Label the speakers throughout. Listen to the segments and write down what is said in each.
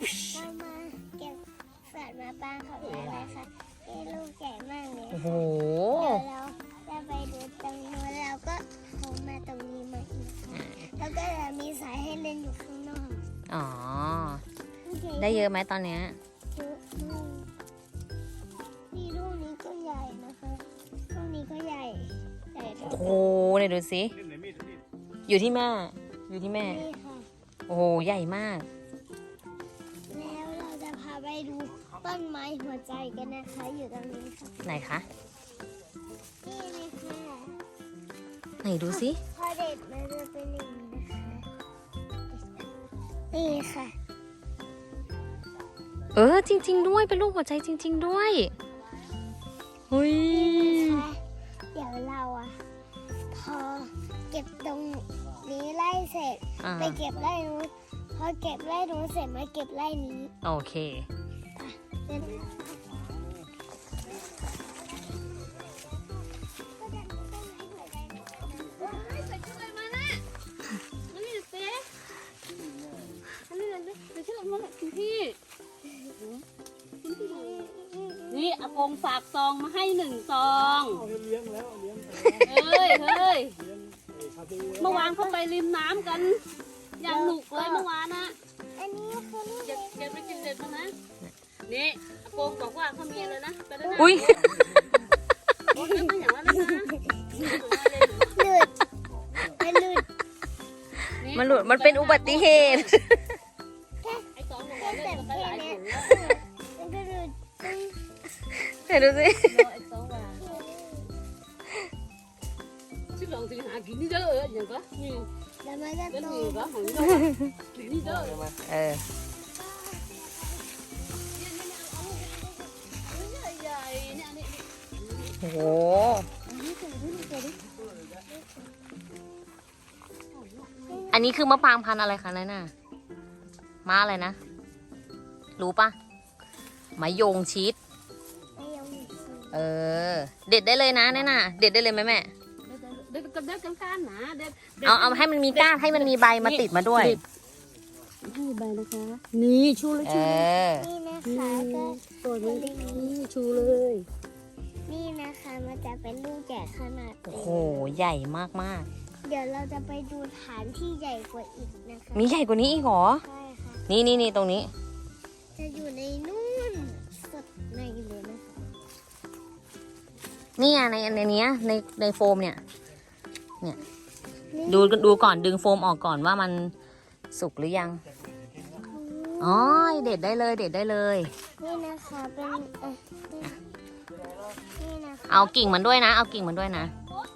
Speaker 1: เรามาเก็บสัตว์มาปางของอะไรคะที่ลูกใหญ่มากเลย
Speaker 2: โอ้โห
Speaker 1: เดี๋ยวเราจะไปดูตรงนู้นแล้วก็เขามาตรงนี้มาอีกแล้วก็จะมีสายให้เล่นอยู่ข้างนอก
Speaker 2: อ๋อ ได้เยอะไหมตอนเนี้ย
Speaker 1: เยอะมากนี่ลูกนี้ก็ใหญ่นะคะลูกนี้ก็ใหญ่ใหญ่ทุก
Speaker 2: โอ้โหไหนดูสิ อยู่ที่แม่ อยู่ที่แม่
Speaker 1: นี่ค่ะ
Speaker 2: โอ้โห ใหญ่มาก
Speaker 1: แล้วเราจะพาไปดูต้นไม้หัวใจกันนะคะ อยู่ตรงนี้ค่ะ
Speaker 2: ไหนคะ
Speaker 1: นี่เลยค่ะ
Speaker 2: ไหนดูสิ
Speaker 1: พอเด็ดมันจะเป็นอย่างนี้นะคะนี่ค่ะ
Speaker 2: เออ จริง ๆ ด้วย เป็นรูปหัวใจจริง ๆ ด้วยเฮ้ย
Speaker 1: นะคะเดี๋ยวเราอะพอเก็บตรงนี้ไล่เสร็จ
Speaker 2: อ่า
Speaker 1: ไปเก็บไล่นู้นพอเก็บไล่นู้นเสร็จมาเก็บไล่นี้
Speaker 2: โอเค
Speaker 1: เดี๋ยว
Speaker 3: นี่อากงฝากซองมาให้1 ซอง
Speaker 4: เลี้ยงแล้วเลี้ยง
Speaker 3: เฮ้ย
Speaker 4: เลี้ยงคาเฟ่
Speaker 3: เมื่อวานเขาไปริมน้ำกัน อย่างหนุกเลยเมื่อวานนะ
Speaker 1: อันนี้คือลูก
Speaker 3: เก็บไปกินเด็ดมานะ นี่อากงบอกว่าเขามีเลยนะไปแล้วนะ
Speaker 2: อุ้ย
Speaker 3: โอ้ยไม่อย่างนั้นนะ
Speaker 1: หลุดมันหลุด
Speaker 2: มันหลุด มันเป็นอุบัติเหตุ
Speaker 3: ไอ้สองบอกว่าเล่นกันไปหลายถุงแล้ว
Speaker 1: มันก็หลุด
Speaker 2: ไหนดูสิ
Speaker 3: ไอ้สองว่าชื่อลองสิหากินนี่เด้ออย่างก็นี่
Speaker 1: แล้วมันก็
Speaker 3: เป็น
Speaker 1: โต
Speaker 3: นี่ก็ของนี่ก็กินนี่เด้อ
Speaker 2: เออ
Speaker 3: ใหญ่ๆเนี่ยนี่
Speaker 2: โอ้โห อันนี้คือมะปรางพันธุ์อะไรคะนั่นน่ะม้าอะไรนะ รู้ปะมะยงชิด
Speaker 1: ไม่ยอมหลุด
Speaker 2: เออ เด็ดได้เลยนะนั่นน่ะ เด็ดได้เลยไหมแม่
Speaker 3: เด็ดกับเด็ดกันกันนะเด็ด
Speaker 2: เอาให้มันมีก้านให้มันมีใบมาติดมาด้วย
Speaker 3: ให้ใบนะคะ นี่ชูเลย
Speaker 2: เอ
Speaker 3: ชูเลย
Speaker 2: อ
Speaker 1: นี่นะคะก็
Speaker 3: ตัวนี้นี่ชูเลย
Speaker 1: นี่นะคะมันจะเป็นลูกใหญ่ขนาด
Speaker 2: โอ้
Speaker 1: นี้
Speaker 2: โห ใหญ่มาก
Speaker 1: เดี๋ยวเราจะไปดูฐานที่ใหญ่กว่าอีกนะคะ
Speaker 2: ๆ มีใหญ่กว่านี้อีกเหรอ
Speaker 1: ใช่ค่ะ
Speaker 2: นี่ตรงนี้
Speaker 1: จะอยู่ในนู่นสุดในเลยนะคะ
Speaker 2: นี่ไงในเนี้ยในโฟมเนี่ย ดูก่อนดึงโฟมออกก่อนว่ามันสุกหรือยัง อ๋อ เด็ดได้เลย เด็ดได้เลย
Speaker 1: นี่นะคะเป็นนี่นะคะ
Speaker 2: เอากิ่งมันด้วยนะ เอากิ่งมันด้วยนะ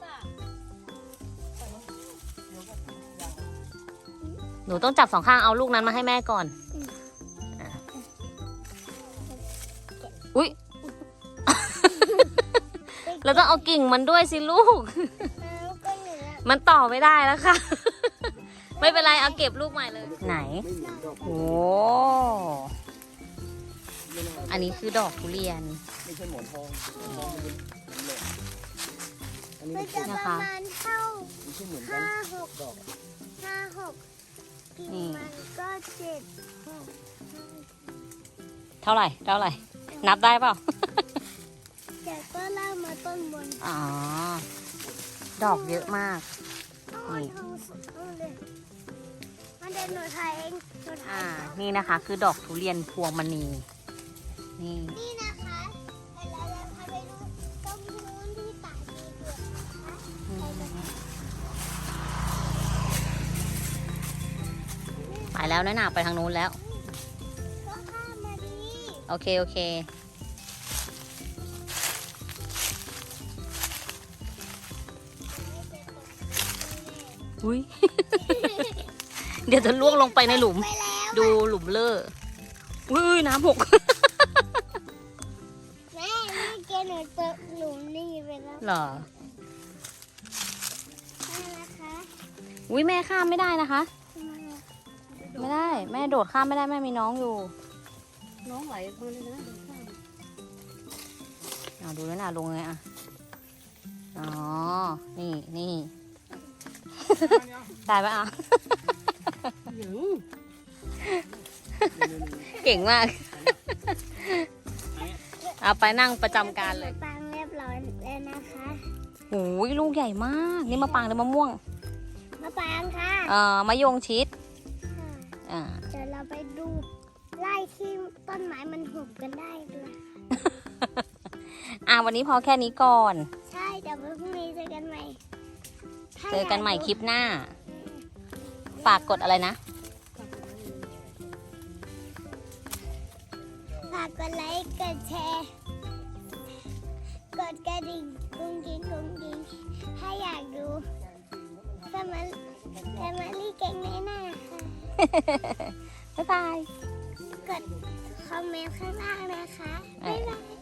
Speaker 2: หนูต้องจับ2 ข้างเอาลูกนั้นมาให้แม่ก่อนอ่ะอุ๊ย แล้วต้องเอากิ่งมันด้วยสิลูก
Speaker 1: แล้วก็เหนือ
Speaker 2: มันต่อไม่ได้แล้วค่ะ ไม่เป็นไร เอาเก็บลูกใหม่เลย ไหน โอ้ อันนี้คือดอกทุเรียน
Speaker 4: ไม่ใช่หมอนทองหมอนทองมันเป็นแหลมอันนี้
Speaker 1: มั
Speaker 4: มัน น
Speaker 1: จะประมาณเท่า
Speaker 4: ไม่ใช่เหมือนกัน
Speaker 1: 5-6
Speaker 4: ดอก
Speaker 1: กิน
Speaker 2: นี่
Speaker 1: มันก็7
Speaker 2: เท่าไหร่ นับได้เปล่า
Speaker 1: แต่ก็ล่ากมาต้นบน
Speaker 2: อ๋อ ดอกเยอะมาก
Speaker 1: เอาทองสุดเอาเลยมันเดินหนูถ่ายเองหนูถ่า
Speaker 2: อ่า
Speaker 1: ย
Speaker 2: นี่นะคะ คือดอกทุเรียนพวงมณี นี่
Speaker 1: นี่นะคะเดี๋ยวเราจะพาไปดูตรงนู้นที่ตากดีกว่านะคะ
Speaker 2: ไปแล้วนะหนาไปทางนู้นแล้ว
Speaker 1: ก็ข้ามมาดี
Speaker 2: โอเค อุ้ย เดี๋ยวจะล่วงลงไปในหลุม
Speaker 1: ไปแล้ว
Speaker 2: ดูหลุมเลอะอุ้ยน้ำหก
Speaker 1: แม่เมื่อกี้หนูเจอหลุมนี่ไปแล้ว
Speaker 2: เหรอ
Speaker 1: นี่นะคะ
Speaker 2: อุ้ยแม่ข้ามไม่ได้นะคะ
Speaker 1: ทำไมอะ
Speaker 2: ไม่ได้ แม่โดดข้ามไม่ได้แม่มีน้องอยู่
Speaker 3: น้องไหลมาเลยนะ
Speaker 2: เอาดูแล้วนะลงไงอ่ะ อ๋อ นี่ ได้ปะอ่ะ
Speaker 3: หยัง
Speaker 2: เเก่งมาก เอาไปนั่งประจำการเลย
Speaker 1: มะปรางเรียบร้อยแล้วนะคะ
Speaker 2: โอ้ยลูกใหญ่มาก นี่มะปรางหรือมะม่วง
Speaker 1: มะปรางค่ะ
Speaker 2: มะยงชิด อ่า
Speaker 1: เดี๋ยวเราไปดูไร่ที่ต้นไม้มันหุบกันได้ด้วย
Speaker 2: วันนี้พอแค่นี้ก่อน
Speaker 1: ใช่เดี๋ยวพรุ่งนี้เจอกันใหม่ถ้า
Speaker 2: เจอกันใหม่
Speaker 1: ยา
Speaker 2: คลิปหน้า ฝากกดอะไรนะ
Speaker 1: ฝากกดไลค์กดแชร์กดกระดิ่งกุ้งกิ้งกุ้งกิ้งถ้าอยากดูแฟมิลี่เก่งแน่น่าค่ะ
Speaker 2: บ๊ายบาย
Speaker 1: กดคอมเมนต์ข้างล่างนะคะ บ๊ายบาย